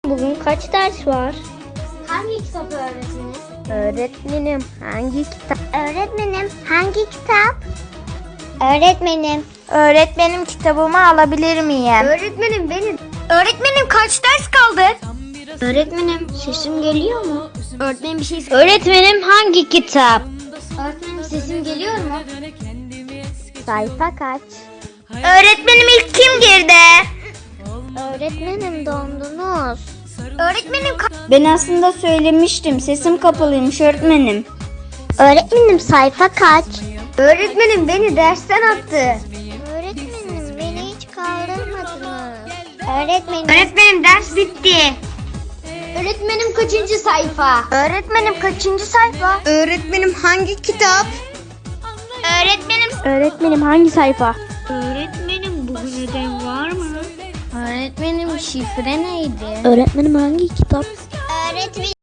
Bugün kaç ders var? Hangi kitap öğretmenim? Öğretmenim hangi kitap? Öğretmenim hangi kitap? Öğretmenim. Öğretmenim kitabımı alabilir miyim? Öğretmenim benim. Öğretmenim kaç ders kaldı? Öğretmenim sesim geliyor mu? Öğretmenim bir şey Öğretmenim hangi kitap? Öğretmenim sesim geliyor mu? Sayfa kaç? Öğretmenim ilk kim girdi? Öğretmenim dondunuz. Öğretmenim Ben aslında söylemiştim. Sesim kapalıymış öğretmenim. Öğretmenim sayfa kaç? Öğretmenim beni dersten attı. Öğretmenim beni hiç kaldırmadınız. Öğretmenim. Öğretmenim ders bitti. Öğretmenim kaçıncı sayfa? Öğretmenim kaçıncı sayfa? Öğretmenim hangi kitap? Öğretmenim hangi sayfa? Öğretmenim bugün ödev var mı? Öğretmenim şifre neydi? Öğretmenim hangi kitap? Öğretmenim.